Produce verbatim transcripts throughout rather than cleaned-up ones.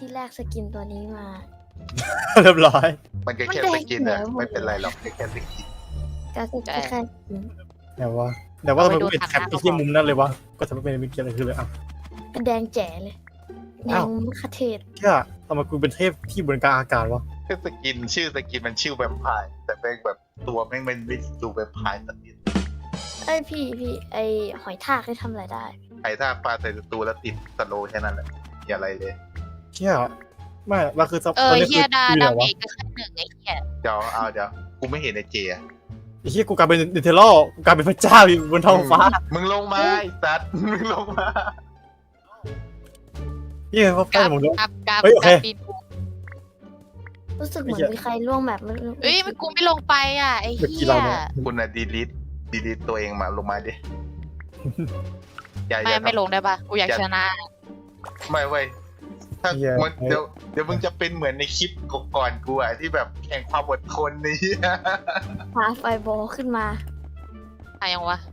ที่แรกสกินตัวนี้มาเรียบร้อยมันก็แค่สกินอะไม่เป็นไรหรอกแค่สกินก็คือแค่สกินแต่ว่าแต่ว่าทำไมกูเป็นแคปไปที่มุมนั้นเลยวะก็จะไม่เป็นมิเกียอะไรคือเลยอ่ะเป็นแดงแจ๋เลยแดงมะขเทศแค่ทำไมกูเป็นเทพที่บนกลางอากาศวะแค่สกินชื่อสกินมันชื่อแวมไพร์แต่เป็นแบบตัวแม่งมันไม่ดูแวมไพร์สักนิดเอ้ยพี่พี่ไอหอยทากได้ทำอะไรได้ไอ้ถ้าปลาใส่ตัวแล้วติดสโลว์แค่นั้นแหละอย่าอะไรเลยแค่ไม่เราคือเออเฮียดาคือดาอะไรเมวะจก็แค่หนึ่งไอ้เฮียเดี๋ยวเอาเดี๋ยวกูไม่เห็นไอ้เจอะไอ้เหี้ยกูกลายเป็นเนเธอร์กูกลายเป็นพระเจ้าอยู่บนท้องฟ้ามึงลงมาไอ้สัตว์มึงลงมาเหี้ยเขาใกล้หมดแล้วกับกับเฮ้ยโอเคกับปีนปูรู้สึกเหมือนมีใครล่วงแบบมันเอ้ยมันกูไม่ลงไปอ่ะไอ้เมื่อเฮีกี้ยเราเนี่ยคุณอะดีลิทดีลิทตัวเองมาลงมาดิอย่าอไม่ย่าไม่ลงได้ปะกูอยากชนะไม่เว้ยถ้ามันเดี๋ยวเดี๋ยวมึงจะเป็นเหมือนในคลิปก่อนกูอะที่แบบแข่งความอดทนนี่พาไฟบอลขึ้นมาอะไรยังวะ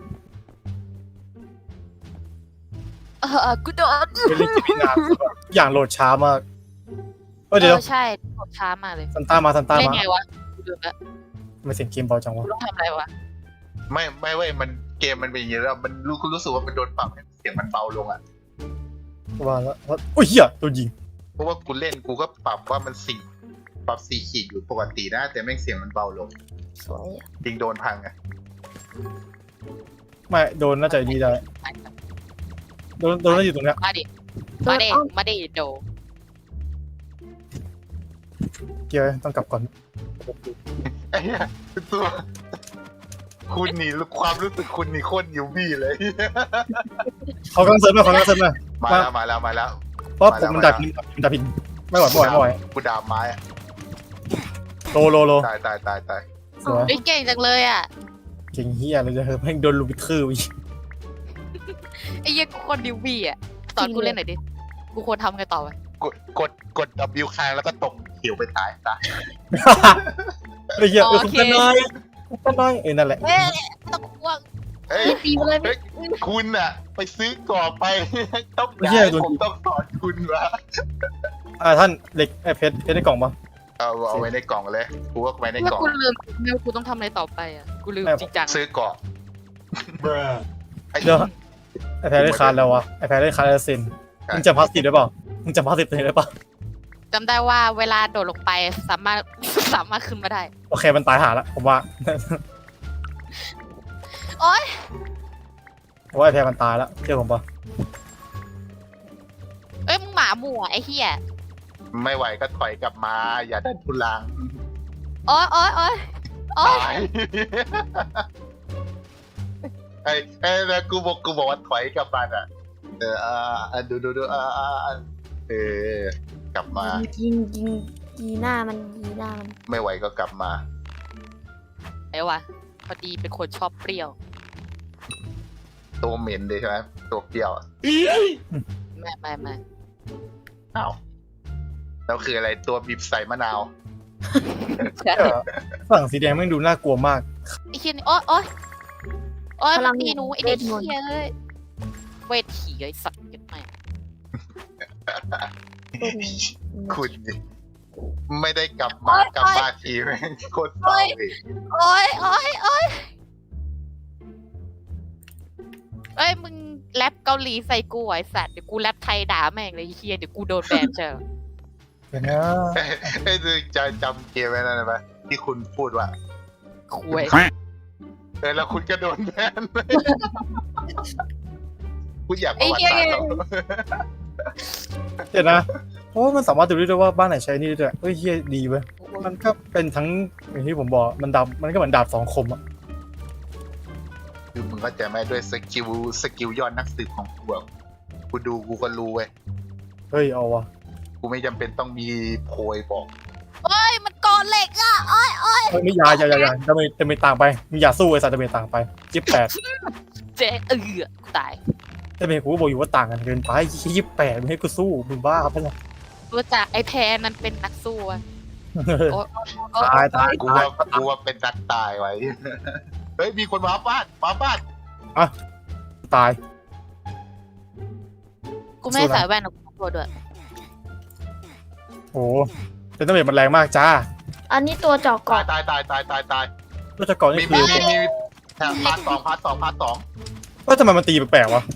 เออเออกูโดนเป็นเรื่องที่มีงานอย่างโหลดช้ามากเออเอเดี๋ยวอใช่กดช้ามากเลยซันต้ามาซันต้าเล่นมาไงวะกูดูแล้วทำไมเสียงเกมเบาจังวะกูต้องทำอะไรวะไม่ไม่เว้ยมันเกมมันเป็นอย่างนี้แล้วมันรู้คุณรู้สึกว่ามันโดนปรับให้เสียงมันเบาลงอ่ะว่าแล้วโอ้ยเหี้ยตัวยิงเพราะว่ากูเล่นกูก็ปรับว่ามันสี่ปรับสี่ขีดอยู่ปกตินะแต่แม่งเสียงมันเบาลงสวยอะจริงโดนพังอ่ะไม่โดนน่าจะดีได้โดนโดนน่าอยู่ตรงเนี้ยมาดิมาดิมาดิโดเกียร์ต้องกลับก่อนไอ้เหี้ยตัวคุณนี่ความรู้สึกคุณนี่โคตรยูบี้เลยเขากำลังเซิร์ฟมาเขากำลังเซิร์ฟมามาแล้วมาแล้วมาแล้วเพราะผมมันดับพินมันดับพินไม่ไหวไม่ไหวไม่ไหวกูดามไม้อะโลโลโลตายตายตายตายสวยเฮ้ยเก่งจังเลยอ่ะเก่งเฮียเลยจะเฮ้ยแม่งโดนลูบิคืออีกไอ้เหี้ยกูคนดิวบี้อ่ะสอนกูเล่นหน่อยดิกูควรทำไงต่อไปกดกดกด W ค้างแล้วก็ตกเขียวไปตายซะไอ้เหี้ยเออคุณกันน้อยคุณกันน้อยเอ้ยนั่นแหละเอ้ยต้องกลัวเฮ้ยตีมาเลยเฮ้ยคุณอะไปซื้อกรอบไป ต้องไม่ใช่ได้โดนผมต้องสอนคุณวะอ่าท่านเหล็กไอ้เพชรเพชรในกล่องปะเอาเอาไว้ในกล่องเลยกูว่าไว้ในเมื่อกล่องกูลืมเมื่อกูต้องทำอะไรต่อไปอ่ะกูลืมจริงจังซื้อกรอบไอ้เดี๋ยวไอ้แพ้ได้คาร์ดแล้ววะไอ้แพ้ได้คาร์ดแล้วเซ็นมึงจำพาสติฟได้เปล่ามึงจำพาสติฟตัวเองได้เปล่าจำได้ว่าเวลาโดดลงไปสามารถ สามารถขึ้นมาได้โอเคมันตายหาละผมว่าโอ๊ยผมว่าไอ้แพ้มันตายแล้วเชื่อผมปะเอ้ยมึงหมาหมู่อ่ะไอ้เหี้ยไม่ไหวก็ถอยกลับมา อย่าดันทุลังโอ๊ยโอ๊ยโอ๊ยโอ๊ยตายไอ้ไอ้แล้วกูบอกกูบอกว่าถอยกลับมาอ่ะเอออ่าดูดูดูอ่าอ่าเออกลับมายิงยิงยีหน้ามันยีหน้ามันไม่ไหวก็กลับมาไอ้วะพอดีเป็นคนชอบเปรี้ยวตัวเหม็นเลยใช่ไหมตัวเปรี้ยวอะไม่ไม่ไม่อ้าวแล้วคืออะไรตัวบีบใส่มะนาวฝั่งสีแดงแม่งดูน่ากลัวมากไอ้เหี้ยนี่โอ๊ยโอ๊ยโอ๊ยมันตีหนูไอ้เด็กเหี้ยเลยเวทีไอ้สัตว์ยัดไม่เป็นคุณนี่ไม่ได้กลับมากลับมาทีแม่งโคตรเศร้าเลยโอ๊ยโอ๊ยโอ๊ยเอ้ยมึงแรปเกาหลีใส่กูไอ้สัตว์เดี๋ยวกูแรปไทยด่าแม่งเลยไอ้เหี้ยเดี๋ยวกูโดนแบนเชียวเดี๋ยวนะไอ้ดูจะจำเกมไว้นั่นไหมที่คุณพูดว่าคุยเออแล้วคุณก็โดนแบนคุณอยากประวัติศาสตร์เหรอเดี๋ยวนะเพราะว่ามันสามารถดูได้ด้วยว่าบ้านไหนใช้นี่ด้วยเฮ้ยเฮียดีเว้ยมันก็เป็นทั้งอย่างที่ผมบอกมันดาบมันก็เหมือนดาบสองคมอ่ะคือมึงก็จะไม่ด้วยสกิลสกิลยอดนักสืบของกูอะกูดูกูก็รู้เว้ยเฮ้ยเอาวะกูไม่จำเป็นต้องมีโพยบอกเอ้ยมันกอเหล็กอ่ะโอ๊ยโอ๊ยเฮ้ยไม่อยาอย่าอย่าอย่าจะไม่จะไม่ต่างไปมึงอย่าสู้ไอ้สัตว์จะไม่ต่างไปยี่สิบแปดเจ๊เออกูตายจะไม่กูก็บอกอยู่ว่าต่างกันเกินไปยี่สิบแปดไม่ให้กูสู้มึงบ้าปะเนี่ยรู้จักไอ้แพนนั้นเป็นนักสู้อะโอ๊ยโอ๊ตายตายกูว่ากูว่าเป็นนักตายไว้ เฮ้ยมีคนมาบ้านมาบ้านตายกูไม่ใส่แว่นหรอกกูด้วยโอ้เป็นต้นเมดมันแรงมากจ้าอันนี้ตัวเจาะตาเกาะยตายตายตายตายตายก็จะก่อนมีนี่มีคือมีมีแถบพาร์ทสองพาร์ทสองพาร์ทสองว่าทำไมมันตีแปลกๆวะ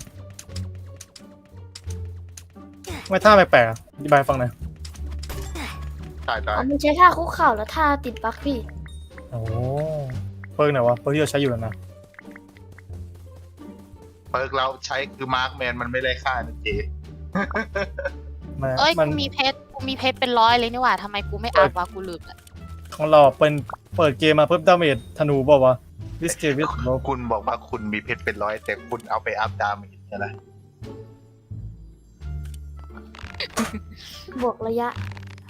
ไม่ท่าแปลกๆอะอธิบายให้ฟังหน่อยตายตายอ๋อมันใช้ท่าคุกเข่าแล้วท่าติดปลั๊กพี่โอ้เพิ่งไหนวะเพิ่งที่เราใช้อยู่นะเปิร์กเราใช้คือมาร์คแมนมันไม่ได้ค่านะเจ๊มันเอ้ยมักูนมีเพชรกูมีเพชรเป็นร้อยเลยนี่หว่าทำไมกูไม่อัพวะกูลืมละของเราเป็นเปิดเกมมาเพิ่มดาเมจธนูบอกว่าวะวิสเกวิสโลคุณบอกว่าคุณมีเพชรเป็นร้อยแต่คุณเอาไปอัพดาเมจใช่ไหมบวกระยะ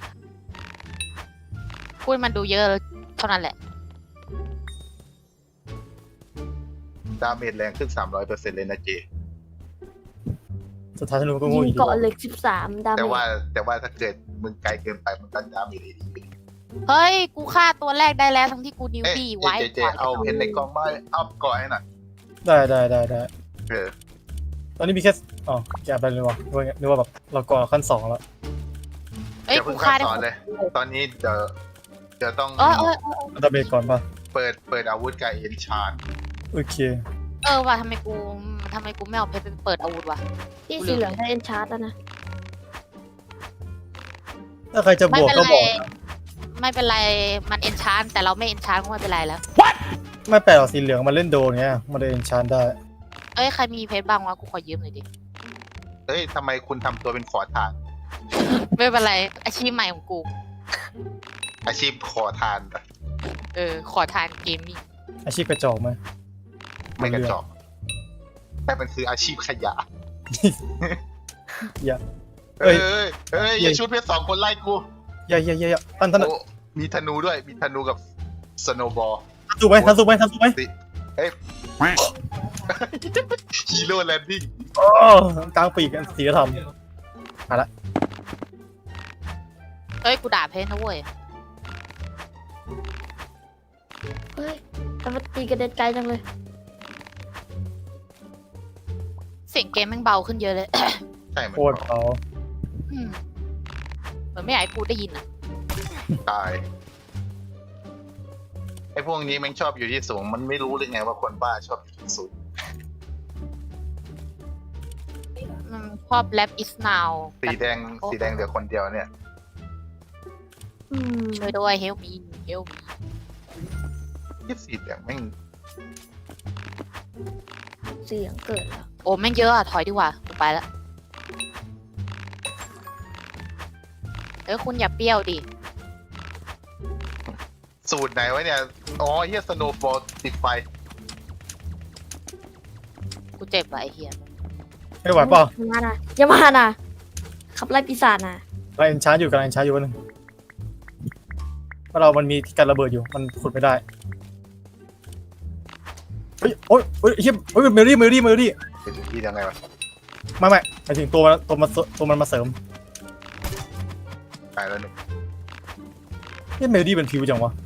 พูดมันดูเยอะเท่านั้นแหละดาเมจแรงขึ้นสามร้อยเปอร์เซ็นต์เลยนะเจสุดท้ายธนูก็โงูยิงอีกเกาะเหล็กสิบสามดาเมแต่ว่าจแต่ว่าถ้าเกิดมึงไกลเกินไปมันก็ดาเมจดีเฮ้ยกูฆ่าตัวแรกได้แล้วทั้งที่กูนิวเอ๊ะบี้เจไว้เจเจเอาเพชรในกล่องมาอัพก่อนให้หน่อยได้ได้ได้ได้เออตอนนี้มีแค่อ๋อแกะไปเลยวะนึกว่านึกว่าแบบเราก่อขั้นสองแล้วเอ้ยอย่ากูเพิ่งฆ่าขั้นได้สอนเลย ตอนนี้เดี๋ยวเดี๋ยวต้องเออเออเออดาเมจก่อนป่ะเปิดเปิดอาวุธกับเอ็นชาร์โอเคเออว่ะทำไมกูทำไมกูไม่เอาเพชรไปเปิดอาวุธวะพี่สีเหลืองได้เอ็นชาร์ตแล้วนะถ้าใครจะบไม่วกเป็นก็ไรบอกนะไม่เป็นไรมันเอนชานแต่เราไม่เอนชานก็ไม่เป็นไรแล้วไม่แปลกหรอกสีเหลืองมันเล่นโดนเงี้ยมันเลยเอนชานได้เอ้ยใครมีเพชรบ้างวะกูขอยืมหน่อยดิเอ้ยทำไมคุณทำตัวเป็นขอทานไม่เป็นไรอาชีพใหม่ของกูอาชีพขอทานปะเออขอทานเกมมิ่งอาชีพกระจอกไหมไม่กระจอกแต่มันคืออาชีพขยะอย่าเอ้ยเอ้ยเอ้ยอย่าชุดเพชรสองคนไล่กูอย่าอย่าอย่าอย่าท่านท่านโอ้มีธนูด้วย มีธนูกับสโนบอลสู้ไหมท่านสู้ไหมท่านสู้ไหมเอ้ยฮีโร่แลนดิ้งโอ้กลางปีกสีธรรมเอ้ยกูด่าเพชรนะเว้ยเฮ้ยแต่มันตีกระเด็นไกลจังเลยเสียงเกมแม่งเบาขึ้นเยอะเลยใช่ไหมโคตรเอาอืมเหมือนไม่อยากให้กูได้ยินอ่ะตายไอ้พวกนี้แม่งชอบอยู่ที่สูง มันไม่รู้เลยไงว่าคนบ้าชอบอยู่ที่สูงมันชอบแรป is now สีแดงสีแดงเหลือคนเดียวเนี่ยอืมช่วยด้วย help me help me ที่สีแดงแม่งเสียงเกิดแล้วโอ้แม่งเยอะอ่ะถอยดีกว่ากูไปละเอ้ยคุณอย่าเปรี้ยวดิสูตรไหนวะเนี่ย อ๋อเฮียสโนว์บอลติดไฟกูเจ็บว่ะไอ้เหี้ยไม่ไหวเปล่ะอย่ามานะอย่ามานะขับไล่ปีศาจนะกำลังเอนชานอยู่กำลังเอนชานอยู่วันหนึงเพราะเรามันมีการระเบิดอยู่มันขุดไม่ได้เฮ้ยโอ้ยเฮ้ยเฮียเฮ้ยเมลลี่เมลลี่เมลลี่เป็นที่ยังไงวะไม่ไม่หมายถึงตัวมันตัวมันตัวมันมาเสริมตายแล้วหนึ่งเฮ้ยเมลลี่เป็นผิวจังวะ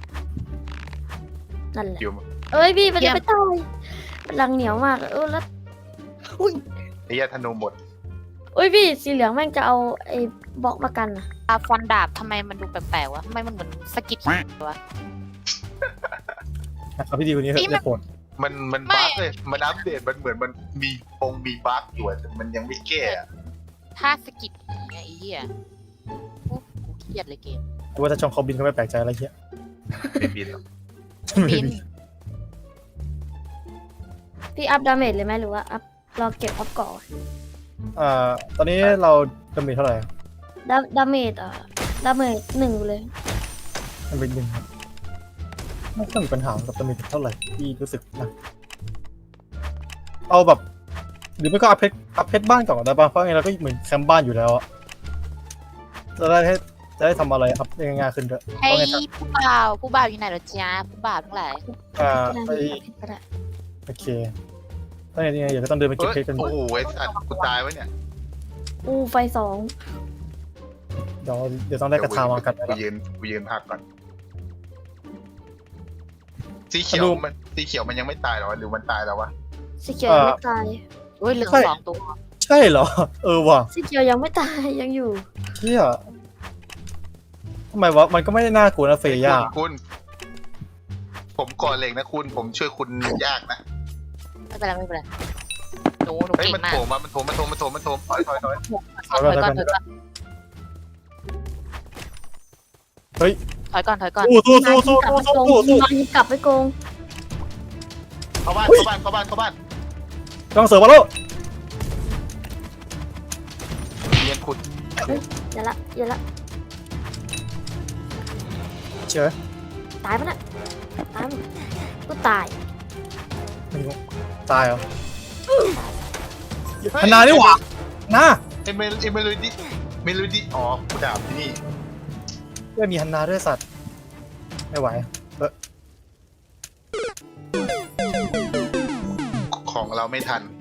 นั่นแหละคิวเอ้ยพี่มันจะไปตายมันรังเหนียวมากเออแล้วอุ้ยไอ้เหี้ยธนูหมดอุ้ยพี่สีเหลืองแม่งจะเอาไอ้บล็อกมากันนะอาฟันดาบทำไมมันดูแปลกๆวะทำไมมันเหมือนสะกิดวะเอาพี่ดีคนนี้เถนี่อะมันได้โปรดมันมันไม่บั๊กเลย มันอัปเดตมันเหมือนมันมีปงมีบั๊กอยู่อะแต่มันยังไม่แก้อะถ้าสะกิดผีไงไอ้เหี้ยโอ้กูเครียดเลยเกมกูว่าถ้าช่องเขาบินก็ไม่แปลกใจอะไรเงี้ยไม่บินหรอกบินพี่อัพดาเมจเลยไหมหรือว่าอัพรอเก็บอัพก่อนอ่าตอนนี้เราดาเมจเท่าไหร่ดาดาเมจอ่ะดาเมจหนึ่งเลยมันเป็นหนึ่งครับไม่ต้องมีปัญหากับดาเมจเท่าไหร่ที่รู้สึกนะเอาแบบหรือไม่ก็อัพเพชรอัพเพชรบ้านก่อนก็ได้ป่ะเพราะงั้นเราก็เหมือนแคมป์บ้านอยู่แล้วอะจะได้ให้จะได้ทำอะไรอัพได้ง่ายๆขึ้นด้วยเฮ้เพราะยงั้นผู้บ่าวผู้บ่าวอยู่ไหนเหรอจ๊ะผู้บ่าวทั้งหลายอ่าดาไปเมจก็ได้โอเคถ้าอย่างนี้เดี๋ยวก็ต้องเดินไปเก็บเอ้ยเพชรกันโอ้โหไอ้สัตว์กูตายวะเนี่ยอูไฟสองเดี๋ยวเดี๋ยวต้องได้กระทามากันกูแล้วยืนกูยืนพักก่อน สีเขียวมันสีเขียวมันยังไม่ตายหรอหรือมันตายแล้ววะสีเขียวยังไม่ตายโอ้ยเหลือสองตัวใช่เหรอ เออว่ะสีเขียวยังไม่ตายยังอยู่เชี่ยทำไมวะมันก็ไม่ได้น่ากลัวนะเฟย่าคุณคุณ ผมก่อนเหล็กนะคุณ ผมช่วยคุณยากนะไม่เป็นไรไม่เป็นไรหนูหนูเฮ้ยเก่งมันมากโถมมามันโถมมันโถมมันโถมมันโถมถอยถอยถอยถอยก่อนถอยก่อนถอยก่อนเฮ้ยถอยก่อนถอยก่อนสู้สู้สู้สู้สู้สู้สู้มันกลับไปโกงเข้าบ้านเข้าบ้านเข้าบ้านเข้าบ้านต้องเสิร์ฟมาแล้วเรียนขุดอย่าละอย่าละเชื่อตายปะน่ะตายมั้ยกูตายไม่รู้ตายเหรอพนานี่หว่านะเอเมลเอเมโลดี้เมโลดี้อ๋อกูดาบที่นี่เพื่อมีฮันนาด้วยสัตว์ไม่ไหวเออของเราไม่ทัน